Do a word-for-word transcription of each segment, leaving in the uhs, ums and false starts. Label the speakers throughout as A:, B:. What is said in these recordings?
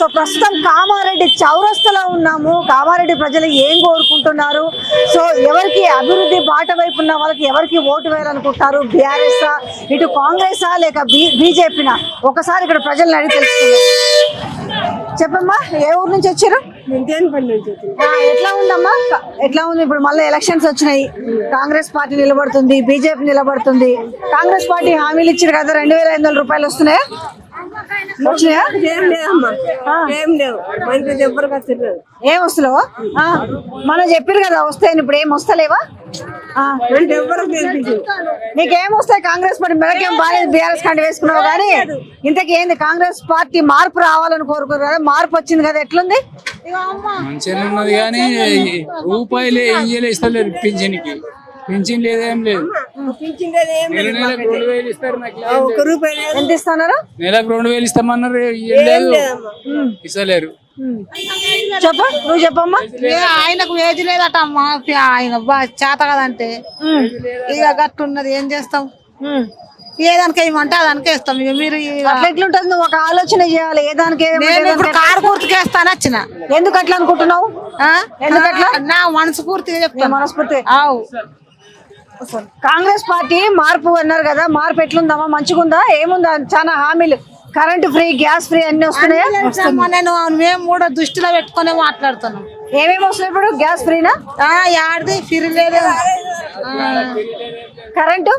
A: So ప్రస్తుతం కామారెడ్డి చౌరస్తలో ఉన్నాము. కామారెడ్డి ప్రజలు ఏం కోరుకుంటున్నారు, సో ఎవరికి అభివృద్ధి బాట వైపు ఉన్న వాళ్ళకి ఎవరికి ఓటు వేయాలనుకుంటున్నారు, బీఆర్ఎస్ ఇటు కాంగ్రెసా లేక బీ బీజేపీనా ఒకసారి ఇక్కడ ప్రజలను అడిగి తెలుసుకున్నాం. చెప్పమ్మా, ఏ ఊరు నుంచి వచ్చారు? ఎట్లా ఉందమ్మా, ఎట్లా ఉంది ఇప్పుడు? మళ్ళీ ఎలక్షన్స్ వచ్చినాయి, కాంగ్రెస్ పార్టీ నిలబడుతుంది, బీజేపీ నిలబడుతుంది. కాంగ్రెస్ పార్టీ హామీలు ఇచ్చారు కదా, రెండు వేల ఐదు వందల రూపాయలు వస్తున్నాయా? వచ్చినాయా? ఏం వస్తలేవా? మనం చెప్పారు కదా వస్తాయని, ఇప్పుడు ఏం వస్తలేవా? నీకేం వస్తాయి? కాంగ్రెస్ పార్టీ మెడకేం బాగాలేదు, బీఆర్ఎస్ కంటే వేసుకున్నావు కానీ ఇంతకీ ఏంది? కాంగ్రెస్ పార్టీ మార్పు రావాలని కోరుకోరు కదా, మార్పు వచ్చింది కదా, ఎట్లుంది?
B: మంచిగా ఉన్నది కానీ రూపాయలే ఇయ్యలే ఇస్తలేరు, పింఛన్కి పింఛన్ లేదేం లేదు. నెలకు రెండు వేలు ఇస్తారు,
A: ఎంత ఇస్తున్నారు?
B: నెలకు రెండు వేలు ఇస్తామన్నారు, ఇయ్యలేదు, ఇస్తలేరు.
A: చెప్ప నువ్వు చెప్పమ్మా.
C: ఆయనకు వేజ్ లేదట అమ్మా, ఆయన చేత కదంటే ఇక గట్టున్నది, ఏం చేస్తాం? ఏదానికి ఏమంటే అదానికి వేస్తాం. ఇక మీరు
A: అట్లా ఎట్లుంటది? నువ్వు ఒక ఆలోచన చేయాలి. ఏ దానికి
C: కారు పూర్తిగా వేస్తాను వచ్చిన.
A: ఎందుకు అట్లా అనుకుంటున్నావు? ఎందుకట్లా?
C: నా మనసు పూర్తిగా చెప్తాను,
A: మనస్ఫూర్తి. కాంగ్రెస్ పార్టీ మార్పు అన్నారు కదా, మార్పు ఎట్లుందమ్మా? మంచిగుందా? ఏముందా? చాలా హామీలు, కరెంట్ ఫ్రీ, గ్యాస్ ఫ్రీ అన్ని వస్తున్నాయా?
C: నేను మేము కూడా దృష్టిలో పెట్టుకునే మాట్లాడుతున్నాం.
A: ఏమేమి వస్తున్నాయి ఇప్పుడు? గ్యాస్ ఫ్రీనా?
C: యాడిది ఫ్రీ లేదు,
A: కరెంటు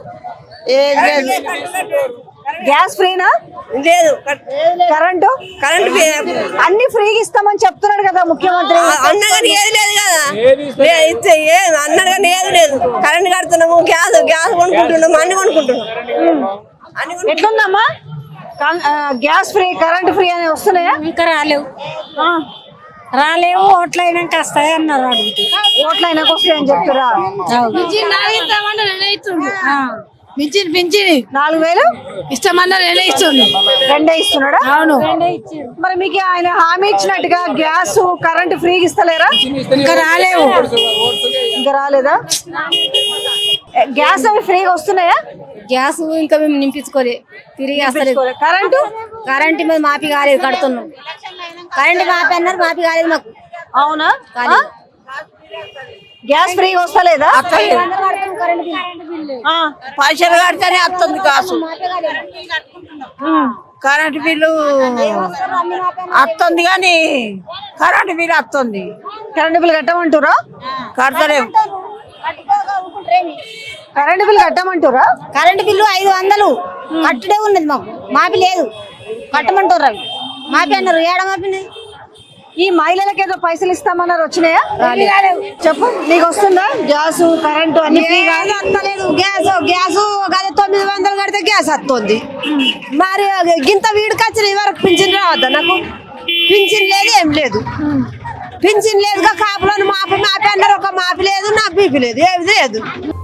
A: గ్యాస్ ఫ్రీనా?
D: లేదు,
A: కరెంటు
D: కరెంట్
A: అన్ని ఫ్రీగా ఇస్తామని చెప్తున్నాడు కదా ముఖ్యమంత్రి.
D: అన్న కానీ ఏది లేదు కదా, ఇచ్చే అన్నాడు కానీ ఏది లేదు. కరెంట్ కడుతున్నాము, గ్యాస్ గ్యాస్ కొనుక్కుంటున్నాము, అన్ని కొనుక్కుంటున్నాం.
A: ఎట్లుందమ్మా? గ్యాస్ ఫ్రీ, కరెంట్ ఫ్రీ అని వస్తున్నాయా?
C: ఇంకా రాలేవు, రాలేవు. ఓట్లు అయినాక వస్తాయి అన్నారు. అడుగుతూ
A: ఓట్లు అయినాక వస్తాయని చెప్తారా?
C: పింఛన్ పింఛన్
A: నాలుగు వేలు
C: ఇస్తామన్నారు, రెండే ఇస్తుంది.
A: రెండే ఇస్తున్నాడా?
C: అవును.
A: మరి మీకు ఆయన హామీ ఇచ్చినట్టుగా గ్యాస్ కరెంట్ ఫ్రీగా ఇస్తలేరా?
C: ఇంకా రాలేవు.
A: ఇంకా రాలేదా? గ్యాస్ అవి ఫ్రీగా వస్తున్నాయా?
C: గ్యాస్ ఇంకా మేము నింపించుకోలే, తిరిగి వస్తలేదు.
A: కరెంటు
C: కరెంట్ మీద మాపి కాలేదు, కడుతున్నాం. కరెంట్ మాపి అన్నారు, మాపి కాలేదు మాకు.
A: అవునా? గ్యాస్ ఫ్రీగా వస్తలేదా?
D: పైసలు కడితేనే వస్తుంది గ్యాస్. కరెంట్ బిల్లు వస్తుంది కానీ కరెంట్ బిల్లు వస్తుంది.
A: కరెంట్ బిల్లు కట్టమంటారా?
D: కడతలేము.
A: కరెంట్ బిల్లు కట్టమంటారా?
C: కరెంట్ బిల్లు ఐదు వందలు కట్టుడే ఉన్నది మాకు, మాపి లేదు. కట్టమంటారు, అవి మాపి అన్నారు. ఏడ మాపినాయి?
A: ఈ మహిళలకు ఏదో పైసలు ఇస్తామన్నారు, వచ్చినాయా? చెప్పు, నీకు వస్తుందా? గ్యాస్ కరెంటు అన్ని
D: వస్తలేదు. గ్యాస్ గ్యాస్ గది తొమ్మిది వందలు కడితే గ్యాస్ వస్తుంది. మరి గింత వీడికొచ్చిన వరకు పింఛన్ రావద్దా నాకు? పింఛన్ లేదు, ఏం లేదు. పింఛన్ లేదుగా, కాపులను మాపి మాపి అన్నారు. ఒక మాపి లేదు, నాకు బీపీ లేదు, ఏది లేదు.